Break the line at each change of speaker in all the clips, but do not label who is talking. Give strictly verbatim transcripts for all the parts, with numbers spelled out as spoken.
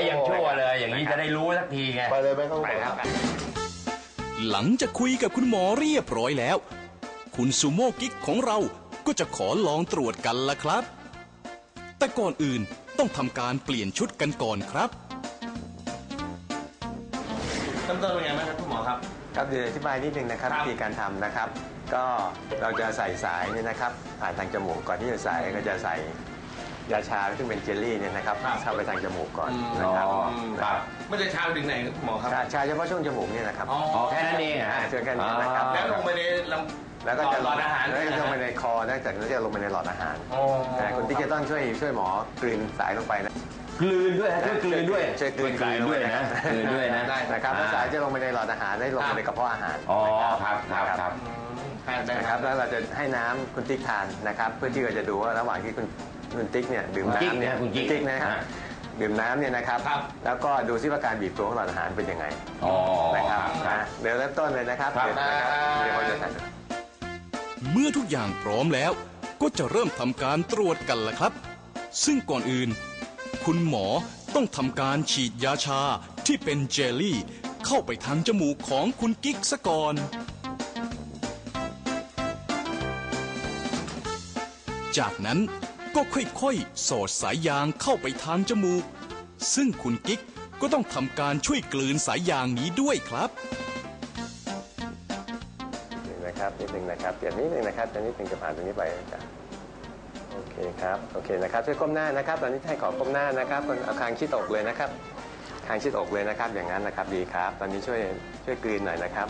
ยังชั่วเลยอย่างนี้จะได้รู้สักทีไง
ไปเลยไหมครับไปครับ
หลังจากคุยกับคุณหมอเรียบร้อยแล้วคุณซูโม่กิ๊กของเราก็จะขอลองตรวจกันละครับแต่ก่อนอื่นต้องทำการเปลี่ยนชุดกันก่อนครับ
เริ่มต้นเป็นไงบ้างครับคุณหมอครับ
ครับเดี๋ยวอธิบายนิดนึงนะครับวิธีการทำนะครับก็เราจะใส่สายเนี่ยนะครับผ่านทางจมูกก่อนที่จะใส่ก็จะใส่ยาชาซึ่งเป็นเจลลี่เนี่ยนะครับเข้าไปทางจมูกก่อนนะครับ
ครับมันจะชาถึงไหนครับหมอครับ
ชาเฉพาะช่วงจมูกเนี่ยนะครับ
อ๋อแค่นั้นเองฮะ
เจอแค่นี้นะครับ
แล้วลงไปในลำ
แล้วก็จะ
หลอดอาหาร
แล้วก็ลงไปในคอแล้วจากนั้นจะลงไปในหลอดอาหารคุณติ๊กจะต้องช่วยช่วยหมอกลืนสายลงไปนะ
กลืนด้วยฮะช่วยกลืนด้วย
ช่วยกลืน
ด้วยนะกลืนด้วยนะ
นะครับแล้วสายจะลงไปในหลอดอาหารได้ลงไปในกระเพาะอาหาร
อ๋อครับครับครับ
นะครับแล้วเราจะให้น้ำคุณติ๊กทานนะครับเพื่อที่เราจะดูว่าระหว่างที่คุณคุณติ๊กเนี่ยดื่มน้ำเนี่ย
คุณ
ติ๊กนะครับดื่มน้ำเนี่ยนะครับแล้วก็ดูซิว่าการบีบตัวของหลอดอาหารเป็นยังไงนะครับเดี๋ยวเริ่มต้นเลยนะครับเดี๋ยวเราจะทำ
เมื่อทุกอย่างพร้อมแล้วก็จะเริ่มทำการตรวจกันละครับซึ่งก่อนอื่นคุณหมอต้องทำการฉีดยาชาที่เป็นเจลลี่เข้าไปทางจมูกของคุณกิ๊กซะก่อนจากนั้นก็ค่อยๆสอดสายยางเข้าไปทางจมูกซึ่งคุณกิ๊กก็ต้องทำการช่วยกลืนสายยางนี้ด้วยครับ
นิดนึงนะครับนิดนึงนะครับเปลี่ยนนิดนึงนะครับจะนิดนึงจะผ่านตรงนี้ไปจ้ะโอเคครับโอเคนะครับช่วยก้มหน้านะครับตอนนี้ให้ขอก้มหน้านะครับเอาคางชิดอกเลยนะครับคางชิดอกเลยนะครับอย่างนั้นนะครับดีครับตอนนี้ช่วยช่วยกลืนหน่อยนะครับ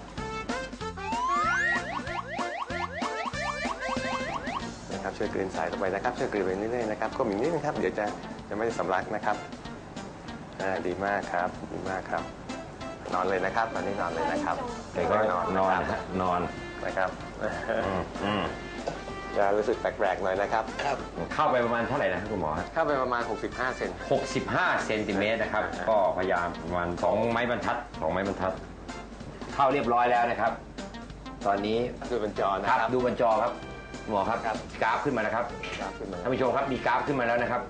นะครับช่วยกลืนสายลงไปนะครับช่วยกลืนไปเรื่อยๆนะครับก้มอีกนิดนึงครับเดี๋ยวจะจะไม่สำลักนะครับอ่าดีมากครับดีมากครับนอนเลยนะครับตอนนี้นอนเลยนะครับ
เด็กก็นอนนอนนอน
นะครับจะรู้สึกแปลกๆหน่อยนะครับ
เข้าไปประมาณเท่าไหร่นะครับคุณหมอ
เข้าไปประมาณหกสิบห้าเซน
หกสิบห้าเซนติเมตรนะครับก็พยายามประมาณสองไม้บรรทัดสองไม้บรรทัดเข้าเรียบร้อยแล้วนะครับตอนนี้
ดูบนจอนะครับ
ดูบนจอครับหมอครับกราฟขึ้นมานะครับท่านผู้ชมครับมีกราฟขึ้นมาแล้วนะครับ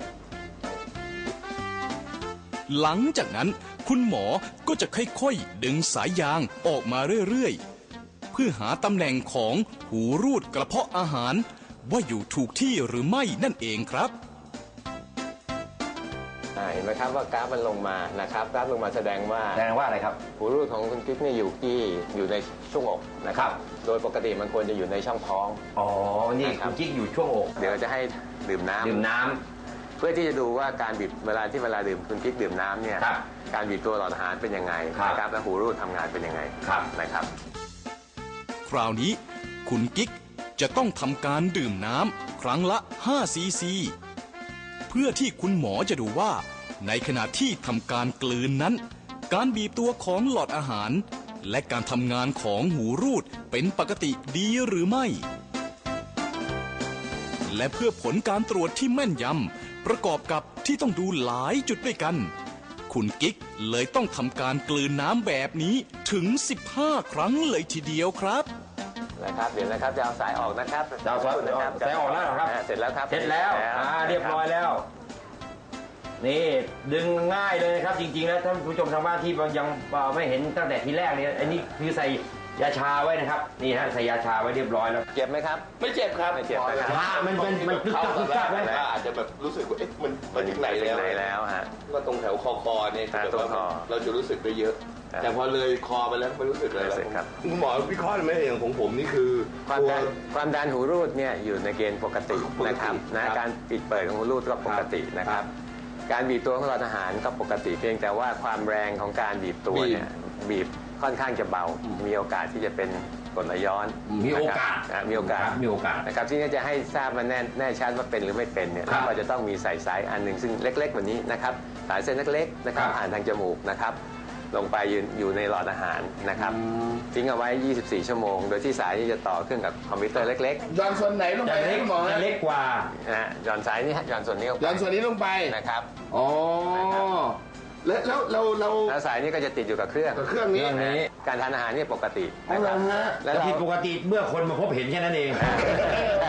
หลังจากนั้นคุณหมอก็จะค่อยๆดึงสายยางออกมาเรื่อยๆเพื่อหาตำแหน่งของหูรูดกระเพาะอาหารว่าอยู่ถูกที่หรือไม่นั่นเองครับ
เห็นไหมครับว่ากราฟมันลงมานะครับกราฟลงมาแสดงว่า
แสดงว่าอะไรครับ
หูรูดของคุณกิ๊กเนี่ยอยู่ที่อยู่ในช่วงอกนะครับโดยปกติมันควรจะอยู่ในช่องท้อง
อ๋อนี่คุณกิ๊กอยู่ช่วงอก
เดี๋ยวจะให้ดื่มน้ำ
ดื่มน้ำ
เพื่อที่จะดูว่าการบีบเวลาที่เวลาดื่มคุณกิ๊กดื่มน้ำเนี่ยการบีบตัวหลอดอาหารเป็นยังไงนะครับและหูรูดทำงานเป็นยังไงนะครับ
คราวนี้คุณกิ๊กจะต้องทำการดื่มน้ำครั้งละห้าซีซีเพื่อที่คุณหมอจะดูว่าในขณะที่ทำการกลืนนั้นการบีบตัวของหลอดอาหารและการทำงานของหูรูดเป็นปกติดีหรือไม่และเพื่อผลการตรวจที่แม่นยำประกอบกับที่ต้องดูหลายจุดด้วยกันคุณกิ๊กเลยต้องทำการกลืนน้ำแบบนี้ถึงสิบห้าครั้งเลยทีเดียวครับ
นะครับเดี๋ยวนะครับจะเอาสายออกนะครับ
จะเอาสายสายออกแล้วครับ
เสร็จแล้วครับ
เสร็จแล้วอ่าเรียบร้อยแล้วนี่ดึงง่ายเลยนะครับจริงๆแล้วท่านผู้ชมทางบ้านที่ยังไม่เห็นตั้งแต่ทีแรกเนี่ยอันนี้คือใส่ยาชาไว้นะครับนี่ฮะใส่ยาชาไว้เรียบร้อยแล้ว
เจ็บไหมครับ
ไม่เจ็บครับ
ไม่เจ็บนะครับ
มันเป็นมันคึกคักคึกคักเลย
อาจจะแบบรู้สึกว่าเอ๊ะมันมาถึงไหนแล้ว
แล้วฮะ
ก็ตรงแถวคอคอเนี่ย
ตรงคอ
เราจะรู้สึกได้เยอะแต่พอเลยคอไปแล้วไม่รู้สึกอะไรแล้วคุณหมอวิเคราะห์ไหมอย่างของผมนี่คือ
ความดันความดันหูรูดเนี่ยอยู่ในเกณฑ์ปกตินะครับนะการปิดเปิดของหูรูดก็ปกตินะครับการบีบตัวของหลอดอาหารก็ปกติเพียงแต่ว่าความแรงของการบีบตัวเนี่ยบีบค่อนข้างจะเบามีโอกาสที่จะเป็นกรดไหลย้อน
มีโอกาส
มีโอกาส
มีโอกาส
นะครับที่จะให้ทราบมาแน่แน่ชัดว่าเป็นหรือไม่เป็นเนี่ยเราจะต้องมีใส่สายอันหนึ่งซึ่งเล็กๆกว่านี้นะครับสายเส้นเล็กๆนะครับผ่านทางจมูกนะครับลงไปอยู่ในหลอดอาหารนะครับทิ้งเอาไว้ยี่สิบสี่ชั่วโมงโดยที่สายนี้จะต่อเครื่องกับคอมพิวเตอร์เล็ก
ๆย้อนส่วนไหนลงไป
เล็กหมอเล็กกว่า
นะย้อนสายนี้ย้อนส่วนนี้
ย้อนส่วนนี้ลงไป
นะครับ
อ๋อแล้วแล้วเราเรา
แล้วสายนี้ก็จะติดอยู่กับเครื่อง
เครื่องนี้
การทานอาหารนี่ปกติ
นะครับและผิดปกติเมื่อคนมาพบเห็นแค่นั้นเอง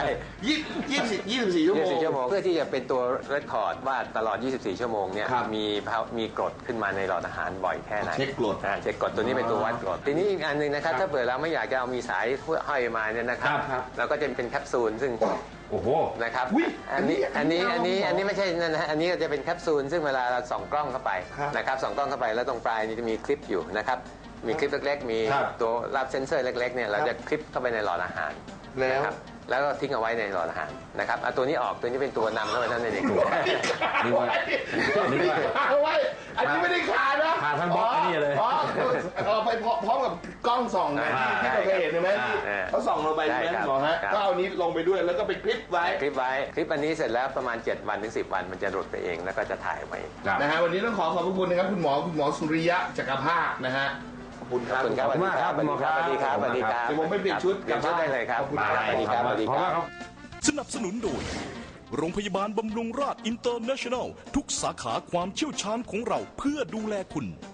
ยี่ยี่สิบยี่สิบสี่ชั่วโมง
ยี่สิบสี่ชั่วโมงเพื่อที่จะเป็นตัวเรคคอร์ดว่าตลอด ยี่สิบสี่ ชั่วโมงเนี่ย
ครับ
มีมีกรดขึ้นมาในหลอดอาหารบ่อยแค่ไหน
เช็คกรด
อ่าเช็คกรดตัวนี้เป็นตัววัดกรดทีนี้อีกอันหนึงนะครับถ้าเผื่อเราไม่อยากจะเอามีสายห้อยมาเนี่ยนะครับ
ครับ
เราก็จะเป็นแคปซูลซึ่ง
โอ้โห
นะครับ
อุ๊ย
อันนี้
อั
อั
น
น
นี้
นี้อันนี้
เอา
อันนี้ไม่ใช่นั่นนะฮะอันนี้ก็จะเป็นแคปซูลซึ่งเวลาเราส่องกล้องเข้าไป
ครับ
นะครับส่องกล้องเข้าไปแล้วตรงปลายนี่จะมีคลิปอยู่นะครับมีคลิปเล็กๆ มี
ครับ
ตัวรับเซนเซอร์เล็กๆเนี่ยเราจะคลิปเข้าไปในหลอดอาหาร
แล้ว
นะครับแล้วก็ทิ้งเอาไว้ในหลอดอาหารนะครับเอาตัวนี้ออกตัวนี้เป็นตัวนำเข้าไปนั่นเอง
นึกว่านึกว่า
เอาไว้อันนี้ไม่ได้ขาดนะ
ขาดทั้งบล็อกไอ้นี่เลย
อ๋อเอาไปพร้อมกับกล้องส่องนะที่ที่เราเคยเห็นใช่ไหมที่
อ่า
เขาส่องลงไปใช่ไหม
ใช่ครับ
หมอฮะ
ครับ
ก็เอานี้ลงไปด้วยแล้วก็ไปคลิปไว้
คลิปไว้คลิปอันนี้เสร็จแล้วประมาณเจ็ดวันถึงสิบวันมันจะหลุดไปเองแล้วก็จะถ่ายไว้
ครับ
นะฮะวันนี้ต้องขอขอบพระคุณนะครับคุณหมอคุณหมอสุริยะจักรภาคนะฮะขอบคุณค
ข
รั
อ
บบ
คุณครับ
ขอบคุณมากครับ
สวัสดีครับ
คุณหมอครับ
สวัสดีครับสวัสดีครับ
เดี๋ยวผมไปเปลี่ยนชุด
เปลี่ยนชุดได้เลยครับ
ขอบคุณ
ส
ครับ
วัสดีครับสวัสดี
ขอบ
ค
คุณ
รับ
ครับ
สนับสนุนโดย โรงพยาบาลบำรุงราษอินเตอร์เนชั่นแนล ทุกสาขาความเชี่ยวชาญของเราเพื่อดูแลคุณ